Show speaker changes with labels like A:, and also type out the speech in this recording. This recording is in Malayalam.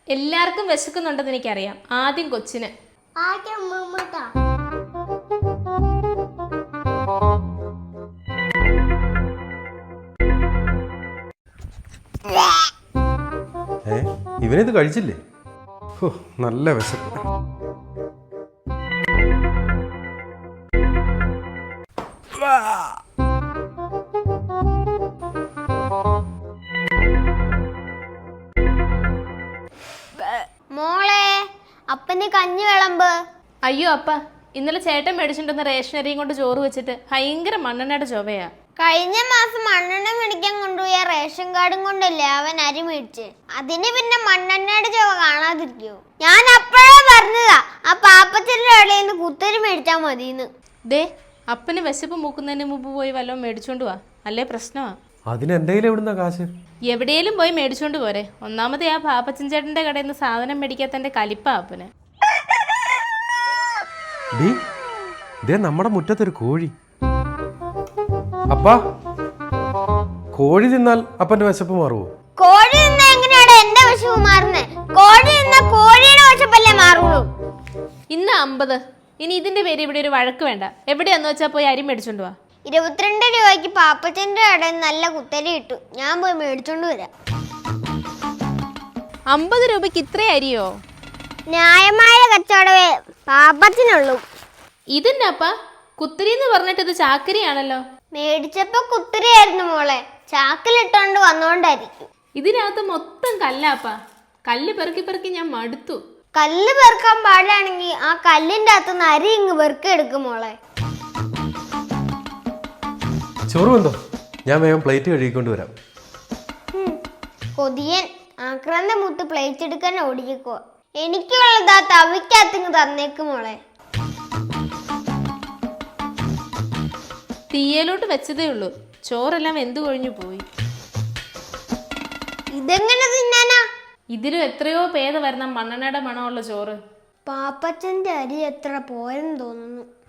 A: എല്ലാവർക്കും വിശക്കുന്നുണ്ടെന്ന് എനിക്കറിയാം. ആദ്യം കൊച്ചിന്.
B: ഇവനിത് കഴിച്ചില്ലേ? നല്ല വിശപ്പ്.
C: മോളെ, അപ്പന് കഞ്ഞി വിളമ്പ്.
A: അയ്യോ അപ്പ, ഇന്നലെ ചേട്ടൻ മേടിച്ചിട്ടുണ്ടെന്ന് റേഷനറിയും കൊണ്ട് ചോറ് വെച്ചിട്ട് ഭയങ്കര മണ്ണെണ്ണയുടെ ചൊവയാ.
C: കഴിഞ്ഞ മാസം മണ്ണെണ്ണ മേടിക്കാൻ കൊണ്ടുപോയ റേഷൻ കാർഡും കൊണ്ടല്ലേ അവൻ അരി മേടിച്ച്. അതിന് പിന്നെ മണ്ണെണ്ണയുടെ ചുവ കാണാതിരിക്കോ? ഞാൻ അപ്പോഴേ പറഞ്ഞതാ ആ പാപ്പച്ചന്റെ ഇടയിൽ നിന്ന് കുത്തരി മേടിച്ചാ മതിന്ന്.
A: ദേ, അപ്പന് വിശപ്പ് മൂക്കുന്നതിന് മുമ്പ് പോയി വല്ലതും മേടിച്ചോണ്ട് വാ, അല്ലേ പ്രശ്നമാ.
B: അതിന് എന്തെങ്കിലും എവിടുന്ന കാശ്?
A: എവിടെയെങ്കിലും പോയി മേടിച്ചോണ്ട് പോരെ. ഒന്നാമത് ആ പാപ്പച്ചൻ ചേട്ടന്റെ കടയിൽ നിന്ന് സാധനം മേടിക്കാത്തന്റെ കലിപ്പാ അപ്പന്.
B: നമ്മുടെ മുറ്റത്തൊരു കോഴി. അപ്പാ, കോഴി തിന്നാൽ അപ്പന്റെ വിശപ്പ് മാറുമോ?
C: കോഴി തിന്നാ എങ്ങനെയാണ് എന്റെ വിശപ്പ് മാറുന്നേ? കോഴി തിന്നാ കോഴിയുടെ വിശപ്പല്ലേ മാറുള്ളൂ.
A: ഇന്ന് 50. ഇനി ഇതിന്റെ പേര് ഇവിടെ ഒരു വഴക്ക് വേണ്ട. എവിടെയാന്ന് വെച്ചാ പോയി അരി മേടിച്ചോണ്ട് വാ.
C: 22 രൂപയ്ക്ക് പാപ്പച്ചന്റെ കടയിൽ നല്ല കുത്തരി കിട്ടും. ഞാൻ പോയി മേടിച്ചോണ്ട് വരാം.
A: 50 രൂപയ്ക്ക് ഇത്രേ അരിയോ?
C: ന്യായമായ കച്ചവടമേ പാപ്പത്തിനുള്ളൂ.
A: ഇതിന്നപ്പ കുത്തിരി എന്ന് പറഞ്ഞിട്ട് ഇത് ചാക്കരിയാണല്ലോ.
C: മേടിച്ചപ്പോ കുത്തിരിയായിരുന്നു മോളെ, ചാക്കിലിട്ടോണ്ട് വന്നോണ്ടായിരിക്കും.
A: ഇതിനകത്ത് മൊത്തം കല്ലാപ്പ. കല്ല് പെറുക്കി പെറുക്കി ഞാൻ മടുത്തു.
C: കല്ല് പെറുക്കാൻ പാടാണെങ്കിൽ ആ കല്ലിന്റെ അകത്തുനിന്ന് അരി ഇങ്ങ് പെറുക്കെടുക്കും മോളെ.
B: ചോറ് വന്നോ? ഞാൻ വേഗം പ്ലേറ്റ് കഴുകിക്കൊണ്ട് വരാം.
C: കൊതിയൻ ആക്രാന്ത മുത്ത് പ്ലേറ്റ് എടുക്കാൻ ഓടിക്കോ. എനിക്കുള്ളതാ തവിക്കകത്തിങ് തന്നേക്ക് മോളെ.
A: തീയലോട്ട് വെച്ചതേ ഉള്ളൂ, ചോറെല്ലാം വെന്തു കൊഴിഞ്ഞു പോയി.
C: ഇതെങ്ങനെ തിന്നാനാ?
A: ഇതിലും എത്രയോ പേద വരുന്ന മണ്ണെണ്ണയുടെ മണമുള്ള ചോറ്.
C: പാപ്പച്ചന്റെ അരി എത്ര പോരെന്ന് തോന്നുന്നു.